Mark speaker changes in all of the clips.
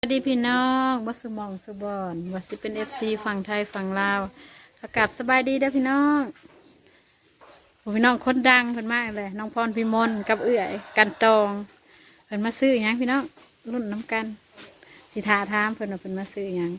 Speaker 1: สวัสดีพี่น้องวัสมองสบอนวัสิเป็นFCฝั่งไทยฝั่งลาวอากาศสบายดีเด้อพี่น้องพี่น้องคนดังเพิ่นมากเลยน้องพรพิมลกับเอื้อยกันตองเพิ่นมาซื้อหยังพี่น้องรุ่นน้ำกันสิทาถามเพิ่นว่าเพิ่นมาซื้อหยัง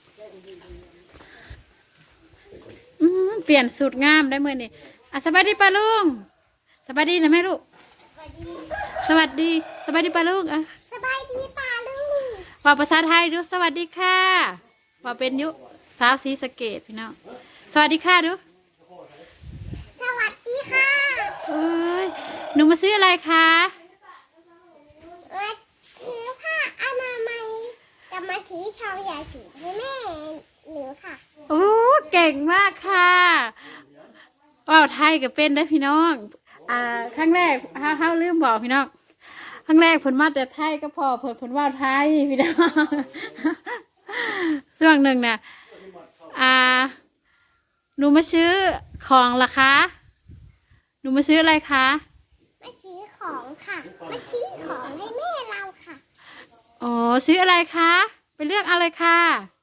Speaker 1: เปลี่ยนสูตรงามได้เมื่อนี่สบายดีป้าลุงสบายดีนะแม่ลูกสวัสดีป้าลุง
Speaker 2: สบายดีป่าลุง
Speaker 1: ว่าภาษาไทยดูสวัสดีค่ะว่าเป็นยุสาวศรีสะเกษพี่น้องสวัสดีค่ะดู
Speaker 2: สวัสดีค่ะ
Speaker 1: เอ้ยหนูมาซื้ออะไรคะ
Speaker 2: มาซื้อผ้าอนามัยจะมาซื้อชาวยาสูบให้แม่หนูค่ะ
Speaker 1: โอ้เก่งมากค่ะว่าวไทยก็เป็นได้พี่น้องครั้งแรกเฮาลืมบอกพี่น้องครั้งแรกผลมาแต่ไทยก็พอผลว่าวไทยพี่น้องช่วงหนึ่งน่ะหนูมาซื้อของล่ะคะหนูมาซื้ออะไรคะ
Speaker 2: มาซื้อของค่ะมาซื้อของให้แม่เราค่ะ
Speaker 1: อ๋อซื้ออะไรคะไปเลือกอะไรค่ะ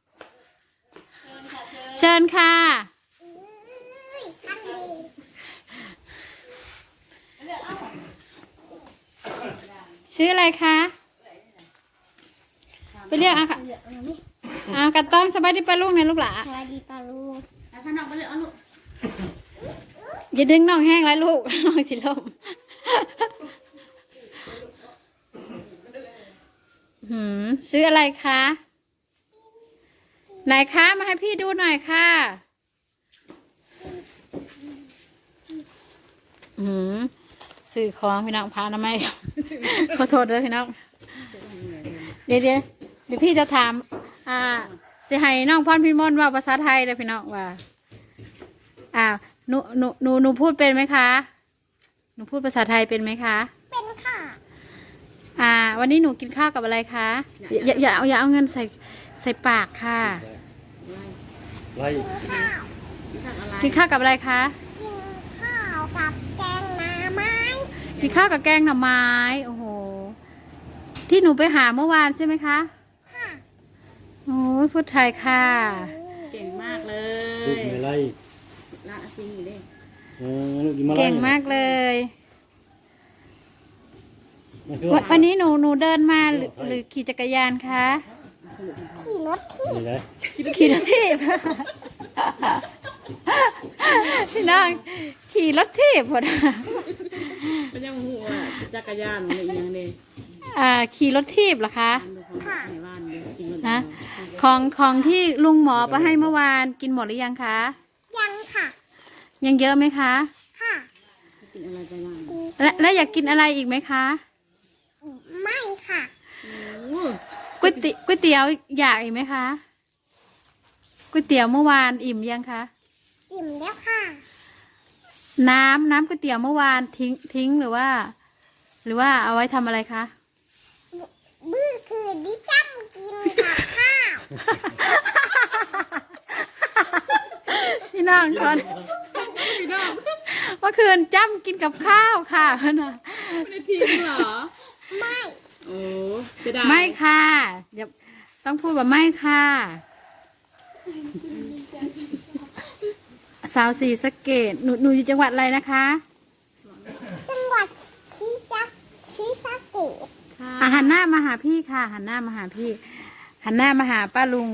Speaker 1: เชิญค่ะ
Speaker 2: ท่านดี
Speaker 1: ซื้ออะไรคะไปเรียกค่ะกันต้องสบายดีปลาลูกเนี่ยลูกหล่ะ
Speaker 2: สวัสดีป่าลุง
Speaker 3: ข้างนอกไปเลยเอาลูก
Speaker 1: อย่าดึงน้องแห้งไรลูกน้องสิลมซื้ออะไรคะไหนคะมาให้พี่ดูหน่อยค่ะซื้อของพี่น้องพาทำไมขอโทษด้วยพี่น้องเดี๋ยวพี่จะถามจะให้น้องพรพิมลว่าภาษาไทยเลยพี่น้องว่าหนูพูดเป็นไหมคะหนูพูดภาษาไทยเป็นไหมคะ
Speaker 2: เป็นค่ะ
Speaker 1: วันนี้หนูกินข้าวกับอะไรคะอย่าเอาเงินใส่ปากค่ะ
Speaker 2: กินข้าว
Speaker 1: กินข้าวกับอะไรคะ
Speaker 2: กินข้าวกับแกงหน่อไม้
Speaker 1: กินข้าวกับแกงหน่อไม้โอ้โหที่หนูไปหาเมื่อวานใช่ไหมคะ
Speaker 2: ค่ะ
Speaker 1: โอ้ยพูดไทยค่ะ
Speaker 3: เก่งมากเล
Speaker 4: ลูก
Speaker 3: ย
Speaker 4: อะไร
Speaker 3: ละซิงอยู่ดิ
Speaker 4: ลูกกินมา
Speaker 1: เก่งมากเลยวันนี้หนูเดินมาหรือขี่จักรยานคะ
Speaker 2: ขี่รถที่
Speaker 1: ขี่รถทีบพี่น้องขี่รถทีบหมด
Speaker 3: เป็นยังหัวจักรยานอะไรอย่างเดีย
Speaker 1: ขี่รถทีบเหรอคะ
Speaker 2: ค่ะ
Speaker 1: นะของที่ลุงหมอไปให้เมื่อวานกินหมดหรือยังคะ
Speaker 2: ยังค่ะ
Speaker 1: ยังเยอะไหมคะ
Speaker 2: ค่ะ
Speaker 3: กินอะไรไปบ้าง
Speaker 1: และอยากกินอะไรอีกไหมคะ
Speaker 2: ไม่ค่ะ
Speaker 1: ก๋วยเตี๋ยวอยากอีกไหมคะก๋วยเตี๋ยวเมื่อวานอิ่มยังคะ
Speaker 2: อิ่มแล้วค่ะ
Speaker 1: น้ำก๋วยเตี๋ยวเมื่อวานทิ้งหรือว่าเอาไว้ทำอะไรคะ
Speaker 2: บื้อคือดิจ้ำกินกับข้าว
Speaker 1: พี่น้องก่อนเมื่อคืนจ้ำกินกับข้าวค่ะนะ
Speaker 3: ไม่ได้ทิ้งเหรอ
Speaker 2: ไม่
Speaker 3: โอ้เสียดาย
Speaker 1: ไม่ค่ะเดี๋ยวต้องพูดว่าไม่ค่ะสาวศรีสะเกษหนูอยู่จังหวัดอะไรนะคะ
Speaker 2: จังหวัดศรีสะเกษ
Speaker 1: หันหน้ามาหาพี่ค่ะหันหน้ามาหาพี่หันหน้ามาหาป้าลุง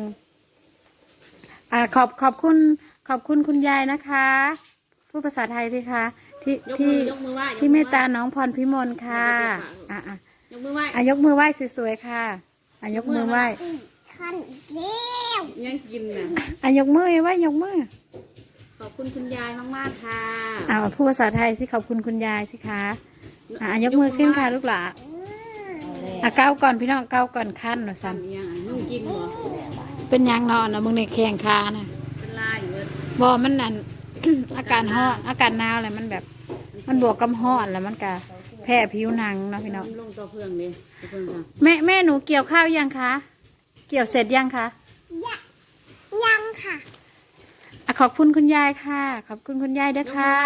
Speaker 1: ขอบคุณคุณยายนะคะพูดภาษาไทยด้วยค่ะที่เมตตาน้องพรพิมลค่ะ
Speaker 3: ยกมือไหว้
Speaker 1: ยกมือไหว้สวยๆค่ะยกมือไหว้
Speaker 2: ขันเลี้ยว
Speaker 3: ยังกินน่ะ
Speaker 1: ยกมือไหว้ยกมือ
Speaker 3: ขอบคุณคุณยายมากๆค่ะ
Speaker 1: พูดภาษาไทยสิขอบคุณคุณยายสิคะยกมือขึ้นค่ะลูกหลานเก้าก่อนพี่น้องเก้าก่อนขั้นหน่อยสัน
Speaker 3: นุ่งกินเหรอ
Speaker 1: เป็นยังนอนนะมึงในแข่งคานะ
Speaker 3: เป็นลายอยู่เลย
Speaker 1: บ่มันนั่น อากาศร้อนอากาศหนาวอะไรมันแบบมันบวกกับร้อนแล้วมันกะแพ้ผิวหนังเนาะพี่น้อง
Speaker 3: ลงตัวเพื่องเลย
Speaker 1: แม่หนูเกี่ยวข้าวยังคะเกี่ยวเสร็จยังคะ
Speaker 2: ยังค่ะ
Speaker 1: ขอบคุณคุณยายค่ะขอบคุณคุณยายด้วยค่ะ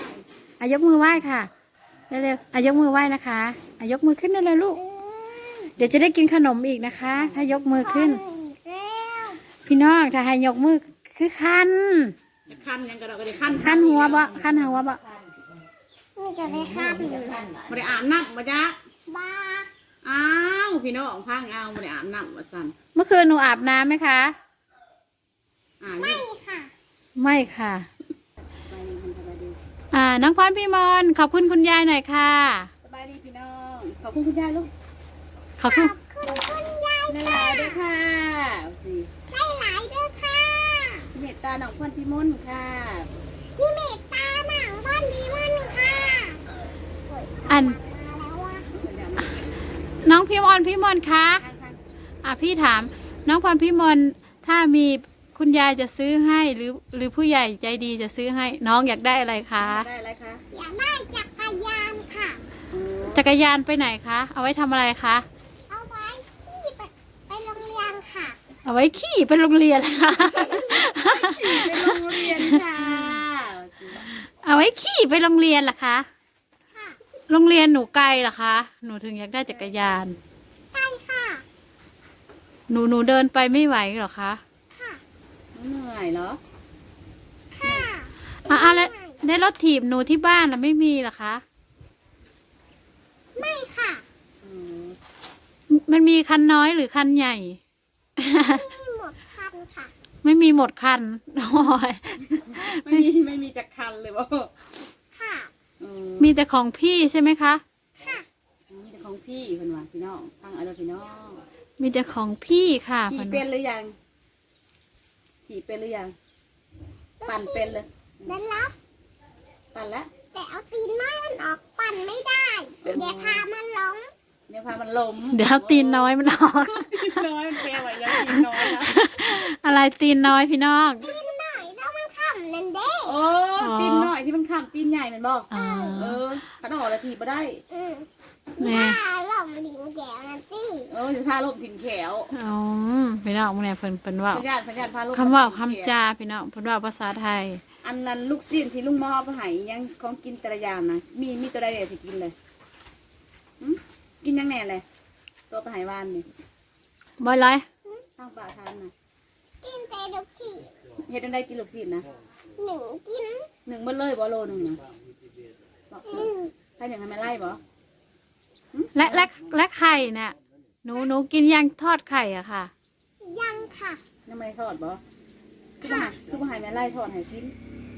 Speaker 1: ยกมือไหว้ค่ะเร็วๆยกมือไหว้นะคะยกมือขึ้นได้เลยลูกเดี๋ยวจะได้กินขนมอีกนะคะ ถ้ายกมือขึ้น
Speaker 2: อีกแล้ว
Speaker 1: พี่น้องถ้าให้ยกมือคือคัน
Speaker 3: จะคันยังกระดอกกระเดคัน
Speaker 1: คันหัวบ่คันหัวบ่
Speaker 2: มีจะได้ข้ามหรือ
Speaker 3: ไม่ได้อาบน้ำมาจ้ะ
Speaker 2: บ้า
Speaker 3: อ้าวพี่น้องพังเอาไม่ได้อาบน้ำมาสั่น
Speaker 1: เมื่อคืนหนูอาบน้ำไหมคะ
Speaker 2: ไม่
Speaker 3: นี่
Speaker 2: ค่ะ
Speaker 1: ไม่ค่ะ
Speaker 3: สบายดีสบายดี
Speaker 1: น้องพรพี่มนต์ขอบคุณคุณยายหน่อยค่ะ
Speaker 3: สบายดีพี่น้องขอบคุณคุณยายลูก
Speaker 1: ขอบคุณ
Speaker 2: คุณคุณยาย
Speaker 3: ได้หลายด้วยค่ะเอาสิ
Speaker 2: ได้หลายด้วยค่ะ
Speaker 3: เมตตาหนองพรพิมลค่ะ
Speaker 2: พี่เมตตาหนังบ้านดีมันค่ะ
Speaker 1: อัน
Speaker 2: แล้วว่า
Speaker 1: น้องพี่มนต์คะพี่ถาม น้องพรพี่มนต์ถ้ามีคุณยายจะซื้อให้หรือผู้ใหญ่ใจดีจะซื้อให้ น้องอยากได้อะไรคะ
Speaker 3: ได้อะไรคะ
Speaker 2: อยากได้จักรยานค่ะ
Speaker 1: จักรยานไปไหนคะ เอาไว้ทำอะไรคะ
Speaker 2: เอาไว้ขี่ไปโรงเรียนค่ะ
Speaker 1: เอาไว้ขี่ไปโรงเรียนค่ะ
Speaker 3: ไปโรงเรียนค่ะ
Speaker 1: เอาไว้ขี่ไปโรงเรียนเหรอคะ
Speaker 2: ค่ะ
Speaker 1: โรงเรียนหนูไกลเหรอคะ หนูถึงอยากได้จักรยาน
Speaker 2: ใช่ค่ะ
Speaker 1: หนูเดินไปไม่ไหวเหรอคะ
Speaker 2: ค่ะ
Speaker 3: เหนื่อยเหรอ
Speaker 2: ค่ะ
Speaker 1: แล้วในรถถีบหนูที่บ้านน่ะไม่มีเหรอคะ
Speaker 2: ไม่ค่ะ
Speaker 3: อืม
Speaker 1: มันมีคันน้อยหรือคันใหญ่
Speaker 2: มีหมดคันค่ะ
Speaker 1: ไม่มีหมดคัน โอ้ย
Speaker 3: ไม่มีจักรคันเลยบ่
Speaker 2: ค่ะ
Speaker 3: อืม
Speaker 1: มีแต่ของพี่ใช่ไหมคะ
Speaker 2: ค่ะ
Speaker 3: มีแต่ของพี่เพิ่นว่าพี่น้องฟังเอาเด้อพี่น้อง
Speaker 1: มีแต่ของพี่ค่ะ
Speaker 3: ขี่เป็นหรือยังขี่เป็นหรือยังปั่นเป็นเลย
Speaker 2: ได้รับ
Speaker 3: ปั่นแล้ว
Speaker 2: แต่เอาตีนน้อยมันออกปั่นไม่ได้เดี๋ยวพามันล้ม
Speaker 3: เดี๋ยวพามันล้ม
Speaker 1: เดี๋ยวตีนน้อยมันออก
Speaker 3: ตีนน้อยมันแปลว่ายังตีนน้อยนะ
Speaker 1: อะไรตีนน้อยพี่น้อง
Speaker 2: ตีนหน่อยแล้วมันขำนั่นเด้
Speaker 3: โอ้ตีนน้อยที่มันข้ามตีนใหญ่แมันบอก
Speaker 1: อ๋อ
Speaker 3: ขันออกแล้วถีบมาได้
Speaker 2: อืม
Speaker 1: เนี่ย
Speaker 2: ถ้าหล่มลิงแก้วนั่นสิ
Speaker 3: จะพาลมถิ่นแขว
Speaker 1: อ๋อพี่น้องเนี่ยเพิ่นว่า
Speaker 3: พญาติพาลม
Speaker 1: คำว่าคำจาพี่น้องเพิ่นว่าภาษาไทย
Speaker 3: อันนั้นลูกซีนที่ลุงมอไปใหายยังของกินแต่ละอย่างนะมีตัวใดเดี๋ยวสิกินเลยหึกินยังแน่เลยตัวไปใหายวานนี่
Speaker 1: บ่อยไร
Speaker 3: ข้างป่าทานนะ
Speaker 2: กินแต่ดุกขี่
Speaker 3: เฮ็ดจั่งได้กินลูกซีนนะ
Speaker 2: หนึ่งกิน
Speaker 3: หนึ่งเบิ้เลยบ่โลหนึ่งนะบอก
Speaker 2: อืม
Speaker 3: ให้หนึ่งให้มันไล่บ่
Speaker 1: และไข่เนี่ยหนูกินยังทอดไข่อะค่ะ
Speaker 2: ยังค่ะ
Speaker 3: ยังไม่ได้ทอดบ่คือบ่ใหายแม่ไล่ทอดให้กิน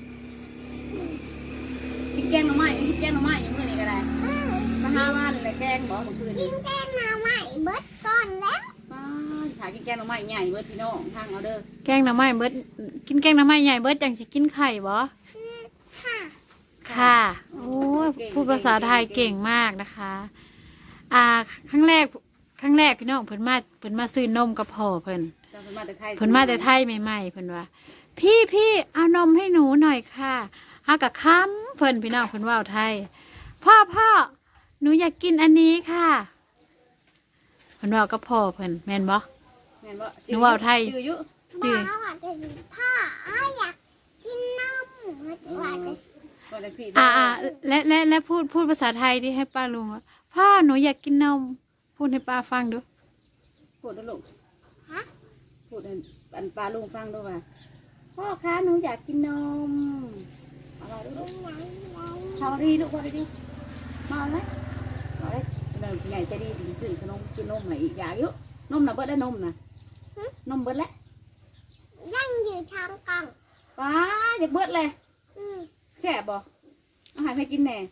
Speaker 3: กินแกงหน่อไม้กินแกงหน่อไม้อยู่มื้อนี้ก็ได้
Speaker 2: อืม
Speaker 3: มาหาว่านเลยแกงบ่เมื่อคืน
Speaker 2: กิ
Speaker 3: นี้
Speaker 2: นแกงหน่อไม้เบิดก่อนแล้ว
Speaker 3: ป้าถ่ายกินแกงหน่อไม้ใหญ่เบิดพี่น้องทางเอาเด้อ
Speaker 1: แกงหน่อไม้เบิดกินแกงหน่อไม้ใหญ่เบิดจังสิกินไข่บ่
Speaker 2: อืมค่ะ
Speaker 1: ค่ะโอ้ยพูดภาษาไทยเก่งมากนะคะ ครั้งแรกพี่น้องเพิ่นมาซื้อนมกับพ่อเพิ่น
Speaker 3: เพิ่นมาแต่ไทย
Speaker 1: เพิ่นมาแต่ไทยใหม่ๆเพิ่นว่า พี่เอานมให้หนูหน่อยค่ะเฮากับค้ำเพิ่นพี่น้องเพิ่นเว้าไทย พ่อหนูอยากกินอันนี้ค่ะเพิ่นเว้ากับพ่อเพิ่นแม่นบ่
Speaker 3: แม่นบ่
Speaker 1: หนูเว้าไทย
Speaker 3: จืออยู่
Speaker 1: จื้อ
Speaker 2: บอกว่าจะพ่ออยากกินนมว่าจะ
Speaker 3: ว่าจังซี่
Speaker 1: และพูดภาษาไทยที่ให้ป้าลุงว่าพ่อหนูอยากกินนม พูดให้ป้าฟังดู
Speaker 3: พูดเด้อลูก
Speaker 2: ฮะ
Speaker 3: พูดให้อันปลาลุงฟังด้วยว่าพ่อคะหนูอยากกินนมเอาเราด้วยลูกพอดีลูกพอดีมาเอาไหมเอาเลยเดี๋ยวใหญ่ใจดีสิซื้อขนมกินนมให้อีกอย่างเยอะนมน่ะเบิดแล้วนมน่ะนมเบิดแล้ว
Speaker 2: ยังอยู่ชามกล่อง
Speaker 3: ป้าอยากเบิดเลย
Speaker 2: อืม
Speaker 3: แซ่บบ่อาหารให้กินแหน่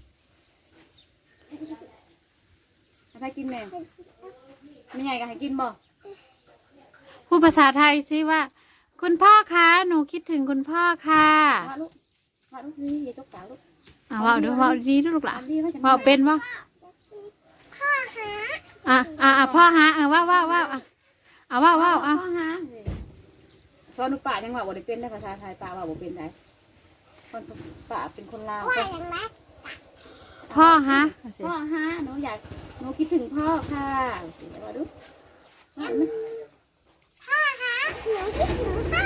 Speaker 3: ให้กินแหน่ไม่ใหญ่ก็ให้กินบ่
Speaker 1: พูดภาษาไทยสิว่า คุณพ่อคะหนูคิดถึงคุณพ่อค่ะ
Speaker 3: ว่าลูกนี่อย่าจกตาลูก
Speaker 1: ว่าดูว่าดีดูลูกหลานว่าเป็นว่า
Speaker 2: พ่อหา
Speaker 1: พ่อฮะว่าว่าว่าว่า
Speaker 3: พ่อฮะสอนหนูป่ายังว่าบ่ได้เป็นได้ภาษาไทยป่าว่าบ่เป็นได้คนป่าเป็นคนลาว
Speaker 2: ว่าอย่างไร
Speaker 1: พ่อฮะ
Speaker 3: พ่อฮะหนูคิดถึงพ่อค่ะสิว่าดู
Speaker 2: พ่อหาหนูคิดถึงพ่อ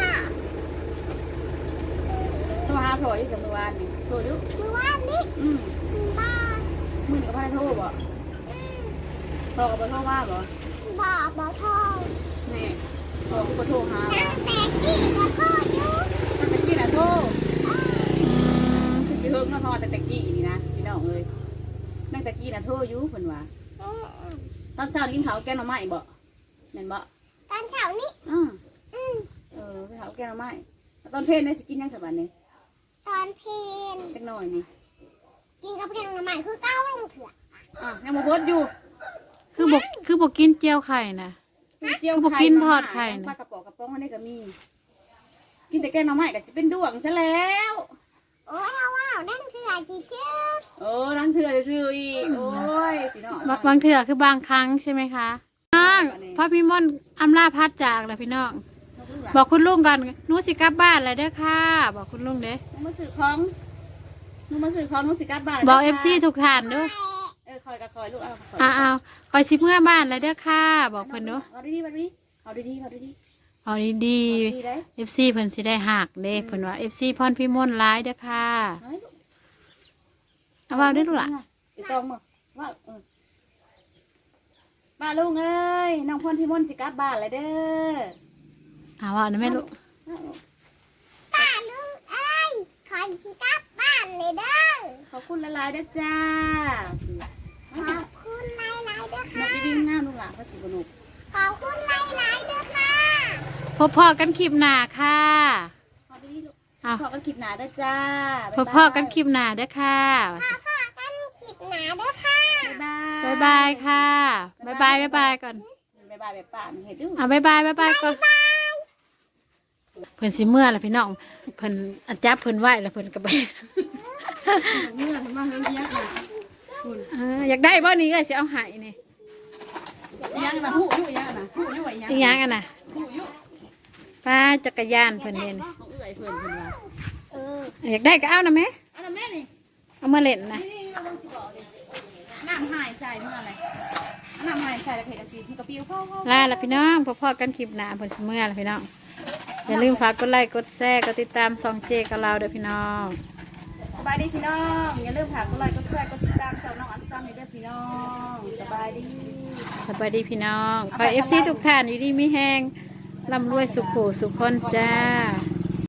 Speaker 3: โทรหาพ่ออยู่สำนวนนี่โทรดู
Speaker 2: คือว่านี่
Speaker 3: อืม
Speaker 2: บ้าน
Speaker 3: มือนี่ก็พาโทรบ่
Speaker 2: อืม
Speaker 3: พ่อกับพ่อว่าบ่
Speaker 2: บ่ทอง
Speaker 3: นี่พ่อกับพ่อหา
Speaker 2: ตั้งแต่กี่ก็พ่ออยู่
Speaker 3: ตั้งแต่กี้น่ะโทษคือสิเฮิงเนาะพ่อแต่กี้นี่นะพี่น้องเอ้ยตั้งแต่กี้น่ะโทษอยู่เพิ่นว่าตอนเช้ากินข้าวแกงหน่อไม้บ่แม่นบ่
Speaker 2: ตอนเช้านี้
Speaker 3: กินข้าวแกงหน่อไม้ตอนเพลเนี่ยสิกินยังสักวันนี่
Speaker 2: ตอนเพลน
Speaker 3: จักหน่อยนี่
Speaker 2: กินกับเพลนใหม่คือเก้าลังเถื่อ
Speaker 3: ยังบ่พดอยู่
Speaker 1: คือบอกกินเจียวไข่นะ คือบ่กินทอดไข่นะ
Speaker 3: ปลากระป๋องกระป๋องอันนี้ก็มี กินแต่แกงหน่อไม้ก็สิเป็นดวงซะแล้ว
Speaker 2: โอ้ยเอาว้าวนั่นคืออะไรจื้อ
Speaker 3: ล้างเถื่อซื่ออีกโอ้ยพี่น้อง
Speaker 1: บางเถื่อคือบางครั้งใช่ไหมคะน้องพ่อพี่ม่อนอำลาพัดจากแล้วพี่น้อง บอกคุณลุงก่อนหนูสิกลับบ้านแล้วเด้อค่ะ บอกคุณลุงเด้
Speaker 3: หนูมาซื้อของหนูสิกลับบ้าน
Speaker 1: บอกFC ทุกท่านเด้อ
Speaker 3: คอยกับคอยลูกเอา
Speaker 1: เอาคอยสิเมื่อบ้านแล้วเด้อค่ะ บอกเพิ่นเด้อ
Speaker 3: เอาดีๆเอาดี
Speaker 1: เอาดี
Speaker 3: เอาดีได้
Speaker 1: ๆ FC เพิ่นสิได้หักเด้เพิ่นว่า FC พรพี่ม่อนร้ายเด้อค่ะ เอาว่าได้อลูกล่ะ
Speaker 3: ไอ้ตองมาว่าป้าลุงเอ้ยน้องพรพี่มนต์สิกลับบ้านเลยเด้อ
Speaker 1: เอาว่านะแม่ลูก
Speaker 2: ๆป้าลุงเอ้ยคอยสิกลับบ้านเลยเด้อ
Speaker 3: ขอบคุณละลายๆเด้อจ้า
Speaker 2: ขอบคุณหลายๆเด้อ
Speaker 3: นั
Speaker 2: ค่ะ
Speaker 3: กดีๆงามลูกหลานพระศิวนุก
Speaker 2: ขอบคุณหลายๆเด้อค่ะ
Speaker 1: พอกันคลิปหน้าค่ะ
Speaker 3: ขอบดีลูก
Speaker 1: เอา
Speaker 3: ขอกันคลิปหนาเด้อจ้า
Speaker 1: พอกันคลิปหน้าเด้อค่ะ
Speaker 2: พ่อกันขีดหนาเด้อค่ะ
Speaker 3: บ๊ายบาย
Speaker 1: บ๊ายบายค่ะบ๊ายบายก่อน
Speaker 3: บ๊ายบายแบบป่าเห็นดู
Speaker 1: บ๊ายบายก่อนเพิ่นสิเมื่อล่ะพี่น้องเพิ่นอันจับเพิ่นไหวแล้วเพิ่นก็ไป
Speaker 3: เมื่อทำมาเฮี้ยงๆนะ
Speaker 1: อยากได้บ่นี้ก็สิเอาให้นี่
Speaker 3: ยังนะหูอยู่ยังนะหูอยู่ไอ้ยัง
Speaker 1: อีหยังอ่ะน่ะ
Speaker 3: หูอยู่
Speaker 1: ป้าจักรยานเพิ่นเด่น
Speaker 3: ของเอื้อยเพื่อนเพื่อนว่า
Speaker 1: อยากได้ก็เอานะแม่
Speaker 3: อันนั้นแม่นี่
Speaker 1: เอามาเล่นนะ
Speaker 3: นี่เราต้องสิบอกดิน้ำหายใส่เมื่อไรน้ำหายใส่แล้วเผ็ดสีที่กระปิวเข้า
Speaker 1: ลาละพี่น้องพอกันคลิปหน้าเพิ่นสิเมื่อล่ะพี่น้องอย่าลืมฝากกดไลค์กดแชร์กดติดตามซองเจกับเราเด้อพี่น้อง
Speaker 3: สบายดีพี่น้องอย่าลืมฝากกดไลค์กดแชร์กดติดตามช่องน้องอันซัมให้ด้วยพี่น้องสบายดี
Speaker 1: สวัสดีพี่น้องขอ FC ทุกท่านอยู่ดีมีแฮงร่ำรวยสุขโขสุขคนจ้า